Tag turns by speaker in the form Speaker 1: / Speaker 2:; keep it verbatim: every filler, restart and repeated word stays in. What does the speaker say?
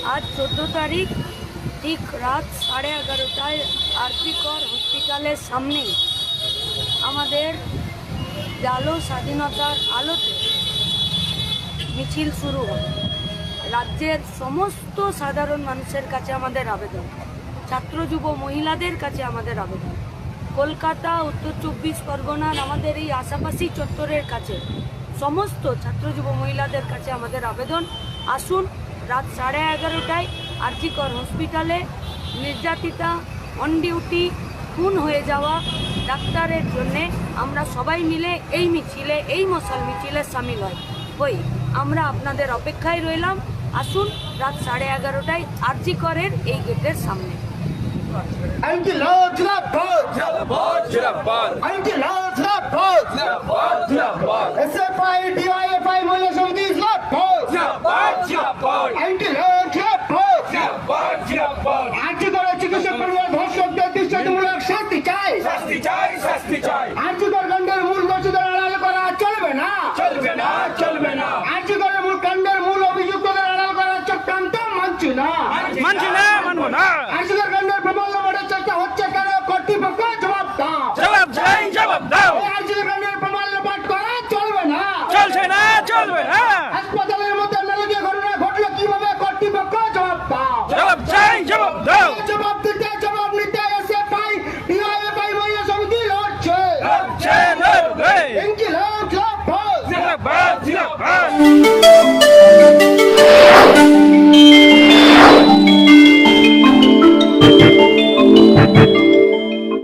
Speaker 1: আজ চোদ্দ তারিখ ঠিক রাত সাড়ে এগারোটায় আরজি কর হসপিটালের সামনেই আমাদের আলো স্বাধীনতার আলোতে মিছিল শুরু হবে। রাজ্যের সমস্ত সাধারণ মানুষের কাছে আমাদের আবেদন, ছাত্র যুব মহিলাদের কাছে আমাদের আবেদন, কলকাতা উত্তর চব্বিশ পরগনার আমাদের এই আশাপাশি চত্বরের কাছে সমস্ত ছাত্র যুব মহিলাদের কাছে আমাদের আবেদন, আসুন রাত সাড়ে এগারোটায় আরজি কর হসপিটালে নির্যাতিতা, অন ডিউটি, খুন হয়ে যাওয়া ডাক্তারের জন্যে আমরা সবাই মিলে এই মিছিলে, এই মশাল মিছিলে সামিল হয় হই। আমরা আপনাদের অপেক্ষায় রইলাম। আসুন রাত সাড়ে এগারোটায় আরজি করের এই গেটের সামনে।
Speaker 2: ইনকিলাব জিন্দাবাদ
Speaker 3: জিন্দাবাদ জিন্দাবাদ
Speaker 2: ইনকিলাব জিন্দাবাদ
Speaker 3: জিন্দাবাদ জিন্দাবাদ
Speaker 2: এসএফআই ডিওয়াইএফআই মহিলা সমিতি জিন্দাবাদ
Speaker 3: জিন্দাবাদ জিন্দাবাদ
Speaker 2: ইনকিলাব জিন্দাবাদ
Speaker 3: জিন্দাবাদ জিন্দাবাদ
Speaker 2: আরজি করে চিকিৎসক পরিবার ধর্ষকদের দৃষ্টান্তমূলক শাস্তি চাই
Speaker 3: শাস্তি চাই শাস্তি চাই
Speaker 2: আরজি কর কাণ্ডের মূল দোষীদের আড়াল করা চলবে না
Speaker 3: চলবে না চলবে না
Speaker 2: আরজি করের মূল কাণ্ডের মূল অভিযুক্তদের আড়াল করার চক্রান্ত মানছি না
Speaker 3: মানছি না মানবো না
Speaker 2: আরজি কর কাণ্ডের প্রবল লবণের চেষ্টা হচ্ছে কেন কর্তৃপক্ষ জবাব দাও
Speaker 3: জবাব চাই জবাব দাও
Speaker 2: আরজি কর কাণ্ডের প্রমাণ লোপাট করা চলবে না
Speaker 3: চলছে না চলবে না
Speaker 2: হাসপাতালের মধ্যে নারকীয় ঘটনা ঘটলো কিভাবে কর্তৃপক্ষ জবাব দাও
Speaker 3: জবাব চাই জবাব দাও
Speaker 2: জবাব দিতে জবাব নিতে এসএফআই ডিওয়াইএফআই মহিলা সমিতি লড়ছে
Speaker 3: লড়ছে লড়বে